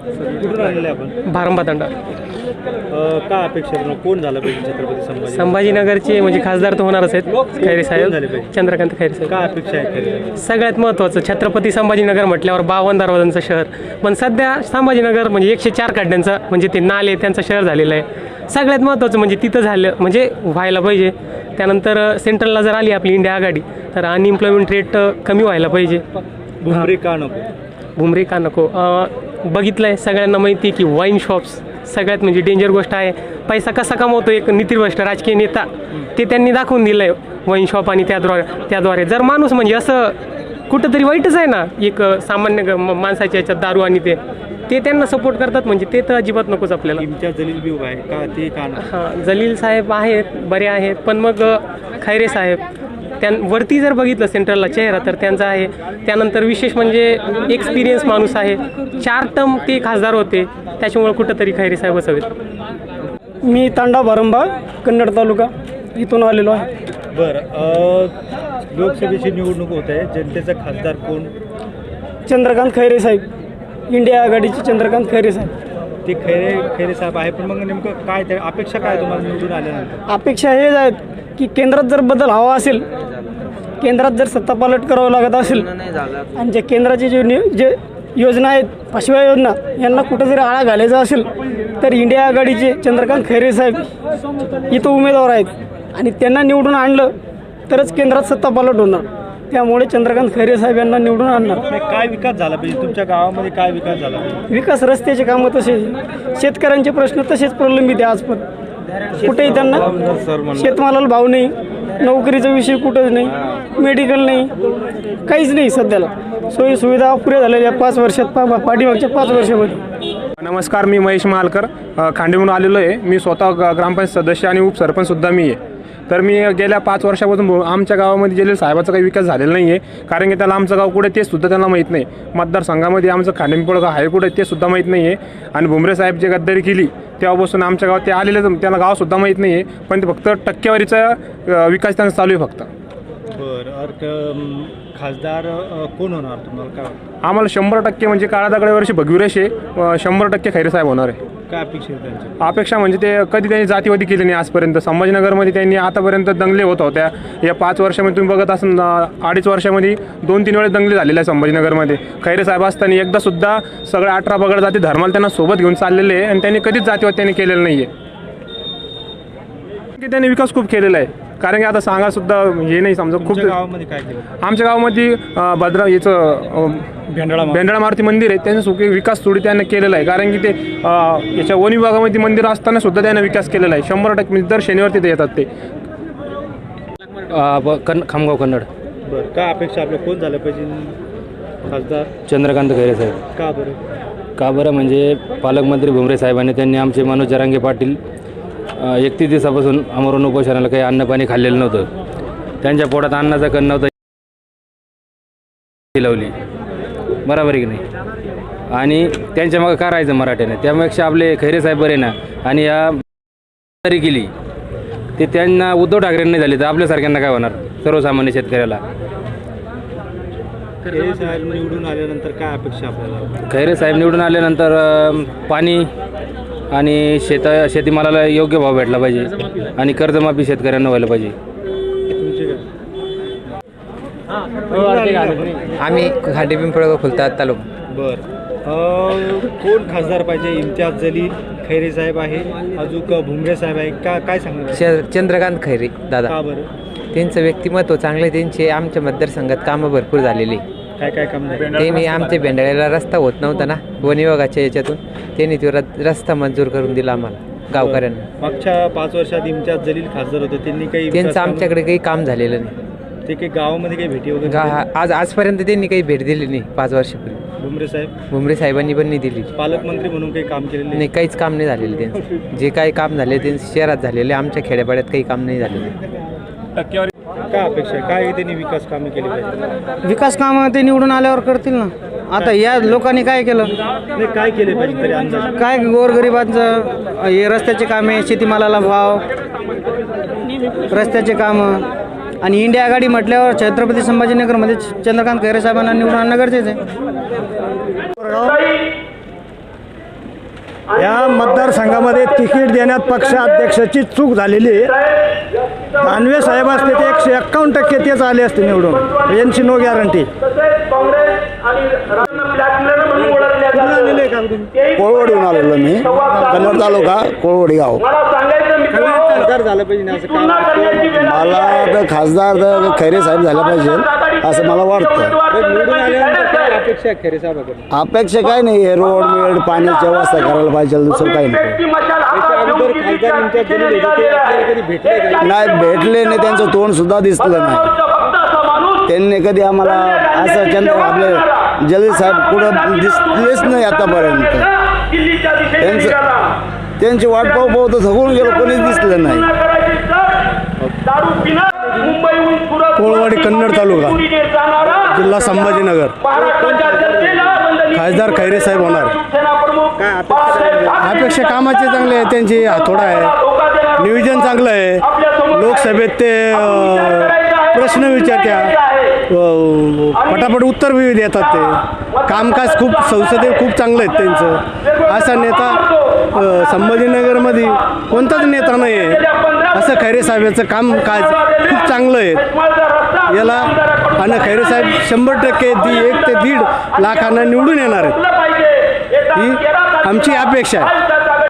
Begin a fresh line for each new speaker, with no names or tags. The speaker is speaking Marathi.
कुठून आलेले आपण?
भारंबातांडा.
का अपेक्षा आहे? कोण झालं पाहिजे छत्रपती
संभाजीनगरचे म्हणजे खासदार तर होणारच आहेत खैरे साहेब,
झाले पाहिजे?
चंद्रकांत खैरे साहेब.
का अपेक्षा आहे खैरे?
सगळ्यात महत्त्वाचं छत्रपती संभाजीनगर म्हटल्यावर 52 दरवाजांचं शहर, पण सध्या संभाजीनगर म्हणजे 104 खड्ड्यांचं म्हणजे ते नाले त्यांचं शहर झालेलं आहे. सगळ्यात महत्त्वाचं म्हणजे तिथं झालं म्हणजे व्हायला पाहिजे. त्यानंतर सेंट्रलला जर आली आपली इंडिया आघाडी तर अनएम्प्लॉयमेंट रेट कमी व्हायला पाहिजे.
भुमरे का नको?
भुमरे का नको? बघितलं आहे सगळ्यांना माहिती आहे की वाईन शॉप्स सगळ्यात म्हणजे डेंजर गोष्ट आहे. पैसा कसा कमवतो एक नीतिभ्रष्ट राजकीय नेता ते त्यांनी दाखवून दिलं आहे वाईन शॉप आणि त्याद्वारे जर माणूस म्हणजे असं कुठंतरी वाईटच आहे ना एक सामान्य माणसाच्या याच्यात दारू आणि ते त्यांना सपोर्ट करतात म्हणजे ते तर अजिबात नकोच आपल्याला.
इम्तियाज जलील बी उभा आहे का? ते का नको?
हां, जलील साहेब आहेत बरे आहेत पण मग खैरे साहेब वरती जर बघितलं सेंट्रलला चेहरा तर त्यांचा आहे. त्यानंतर विशेष म्हणजे एक्सपिरियन्स माणूस आहे. 4 टर्म ते खासदार होते त्याच्यामुळे कुठंतरी खैरे साहेब असावेत.
मी तांडा भारंबा कन्नड तालुका इथून आलेलो आहे.
बरं, लोकसभेची निवडणूक होत आहे. जनतेचा खासदार कोण?
चंद्रकांत खैरे साहेब, इंडिया आघाडीचे चंद्रकांत खैरे साहेब.
ते खैरे साहेब आहे पण मग नेमकं काय त्या अपेक्षा काय तुम्हाला निवडून आल्यानंतर?
अपेक्षा हेच आहेत की केंद्रात जर बदल हवा असेल, केंद्रात जर सत्तापालट करावं लागत असेल आणि जे केंद्राचे जे योजना आहेत 5व्या योजना यांना कुठं जरी आळा घालायचा असेल तर इंडिया आघाडीचे चंद्रकांत खैरे साहेब इथं उमेदवार आहेत आणि त्यांना निवडून आणलं तरच केंद्रात सत्तापालट होणार. त्यामुळे चंद्रकांत खैरे साहेब यांना निवडून आणणार.
काय विकास झाला पाहिजे तुमच्या गावामध्ये? काय विकास झाला पाहिजे?
विकास रस्त्याचे कामं तसेच, शेतकऱ्यांचे प्रश्न तसेच प्रलंबित आहे आज पण. कुठेही त्यांना शेतमालाला भाव नाही, नोकरीचा विषय कुठंच नाही, मेडिकल नाही, काहीच नाही सध्याला. सोयी सुविधा पुऱ्या झालेल्या 5 वर्षात पाठीमागच्या 5 वर्षामध्ये.
नमस्कार, मी महेश महालकर खांडेमून आलेलो आहे. मी स्वतः ग्रामपंचायत सदस्य आणि उपसरपंचसुद्धा मी आहे. तर मी गेल्या 5 वर्षापासून आमच्या गावामध्ये जलील साहेबाचा काही विकास झालेला नाही आहे. कारण की त्याला आमचं गाव कुठे ते सुद्धा त्यांना माहीत नाही. मतदारसंघामध्ये आमचं खांडेपिंपळ गाव आहे कुठे ते सुद्धा माहीत नाही आहे. आणि भुमरे साहेब जे गद्दारी केली तेव्हापासून आमच्या गावात ते आलेले त्यांना गावसुद्धा माहीत नाही आहे. पण ते फक्त टक्केवारीचा विकास त्यांचा चालू आहे फक्त.
बरं, खासदार कोण होणार तुम्हाला काय वाटतं?
आम्हाला 100% म्हणजे काळा दगडावरची भगवीरेष आहे. 100% खैरे साहेब होणार आहे.
काय अपेक्षा आहे त्यांची?
अपेक्षा म्हणजे ते कधी त्यांनी जातीवादी केली नाही आजपर्यंत. संभाजीनगरमध्ये त्यांनी आतापर्यंत दंगले होत होत्या. या 5 वर्षामध्ये तुम्ही बघत असाल 2.5 वर्षामध्ये 2-3 वेळेस दंगले झालेले आहे संभाजीनगरमध्ये. खैरे साहेब असताना एकदासुद्धा सगळ्या 18 बगड जाती धर्माला त्यांना सोबत घेऊन चाललेले आहे आणि त्यांनी कधीच जातीवाद त्यांनी केलेलं नाही आहे. की त्यांनी विकास खूप केलेला आहे. कारण की आता सांगा सुद्धा हे नाही समजा खूप.
गावामध्ये काय केलं?
आमच्या गावामध्ये भेंडाळा मारुती मंदिर आहे त्यांचा विकास थोडी त्यांनी केलेला आहे. कारण की ते याच्या वन विभागामध्ये मंदिर असताना सुद्धा त्यांनी विकास केलेला आहे. 100% म्हणजे दर शनिवार तिथे येतात ते.
खामगाव कन्नड.
बरं, काय अपेक्षा आपल्या कोण झालं पाहिजे खासदार?
चंद्रकांत खैरे साहेब.
का बरं?
का बरं म्हणजे पालकमंत्री भुमरे साहेबांनी त्यांनी आमचे मनोज जरांगे पाटील 31 दिवसापासून आमरण उपोषणाला काही अन्नपाणी खाल्लेलं नव्हतं. त्यांच्या पोटात अन्नाचा कण नव्हता लावली बरोबर आहे की नाही. आणि त्यांच्या मग का राहायचं मराठ्याने? त्यापेक्षा आपले खैरे साहेब बरे ना. आणि या तरी केली ते त्यांना उद्धव ठाकरेंनी झाली तर आपल्यासारख्यांना काय होणार सर्वसामान्य शेतकऱ्याला?
खैरे साहेब निवडून आल्यानंतर काय अपेक्षा आपल्याला?
खैरे साहेब निवडून आल्यानंतर पाणी आणि शेतीमालाला योग्य भाव भेटला पाहिजे आणि कर्जमाफी शेतकऱ्यांना व्हायला पाहिजे.
आम्ही खांडेपिंपळ खुलतात तालुका.
बरं, कोण खासदार पाहिजे? इम्तियाज जलील, खैरे साहेब आहे, अजून भुमरे साहेब आहे का? काय सांगणार?
चंद्रकांत खैरे दादा.
का बरं?
त्यांचं व्यक्तिमत्व चांगलं आहे. त्यांचे आमच्या मतदारसंघात कामं भरपूर झालेली.
काय काम झालं?
त्यांनी आमच्या भेंडाळ्याला रस्ता होत नव्हता ना वन विभागाच्या याच्यातून, त्यांनी तो रस्ता मंजूर करून दिला आम्हाला गावकऱ्यांना.
मागच्या 5 वर्षात इम्तियाज जलील खासदार होते, त्यांनी काही
त्यांचं आमच्याकडे काही काम झालेलं नाही.
ते काही गावामध्ये काही भेटी वगैरे?
आजपर्यंत त्यांनी काही भेट दिली नाही 5 वर्षापूर्वी. भुमरे साहेबांनी पण नाही दिली.
पालकमंत्री म्हणून काही काम केलेलं
नाही, काहीच काम नाही झालेलं त्यांचं. जे काही काम झाले ते शहरात झालेले, आमच्या खेड्यापाड्यात काही काम नाही झालेलं.
काय अपेक्षा आहे? काय त्यांनी विकास कामे केली पाहिजे?
विकास कामं ते निवडून आल्यावर करतील ना. आता या लोकांनी काय केलं?
नाही, काय केले पाहिजे तरी अंदाज?
काय गोरगरिबांचं हे रस्त्याचे कामे, शेतीमालाला भाव, रस्त्याचे कामं. आणि इंडिया आघाडी म्हटल्यावर छत्रपती संभाजीनगरमध्ये चंद्रकांत खैरे साहेबांना निवडून आणणं गरजेचं आहे.
या मतदारसंघामध्ये तिकीट देण्यात पक्षाध्यक्षाची चूक झालेली आहे. दानवे साहेब असते ते 151% तेच आले असते निवडून, यांची नो गॅरंटी.
कोळवडीहून आलेलो मी, कन्नड तालुका कोळवडी गाव.
खासदार झालं पाहिजे ना असं काय
मला तर खासदार तर खैरे साहेब झाले पाहिजे असं मला वाटतं.
निवडून आल्यानंतर काय अपेक्षा आहे खैरे साहेबाकडून?
अपेक्षा काय नाही आहे, रोड मिळ पाण्याची व्यवस्था करायला पाहिजे, दुसरं काही नाही.
याच्या अगोदर खासदार इम्तियाज जलील होते, ते आपल्याला कधी भेटले का?
नाही भेटले नाही, त्यांचं तोंड सुद्धा दिसलं नाही. त्यांनी कधी आम्हाला असं चंद्र आपले जलील साहेब कुठं दिसलेच नाही आतापर्यंत. त्यांची वाट पाहू पाहू तर थकून गेलो, कोणीच दिसलं नाही.
कोळवाडी कन्नड तालुका, जिल्हा संभाजीनगर. खासदार खैरे साहेब होणार.
काय अपेक्षा?
अपेक्षा कामाचे चांगले आहे, त्यांची हातोडा आहे, नियोजन चांगलं आहे. लोकसभेत ते प्रश्न विचारत्या, पटापट उत्तर बी देतात. ते कामकाज खूप संसदेत खूप चांगलं आहेत त्यांचं. असा नेता संभाजीनगरमध्ये कोणताच नेता नाही आहे. असं खैरे साहेबांचं कामकाज खूप चांगलं आहे. याला आणि खैरे साहेब 100% 1 ते 1.5 लाखांना निवडून येणार आहेत, ही आमची अपेक्षा आहे.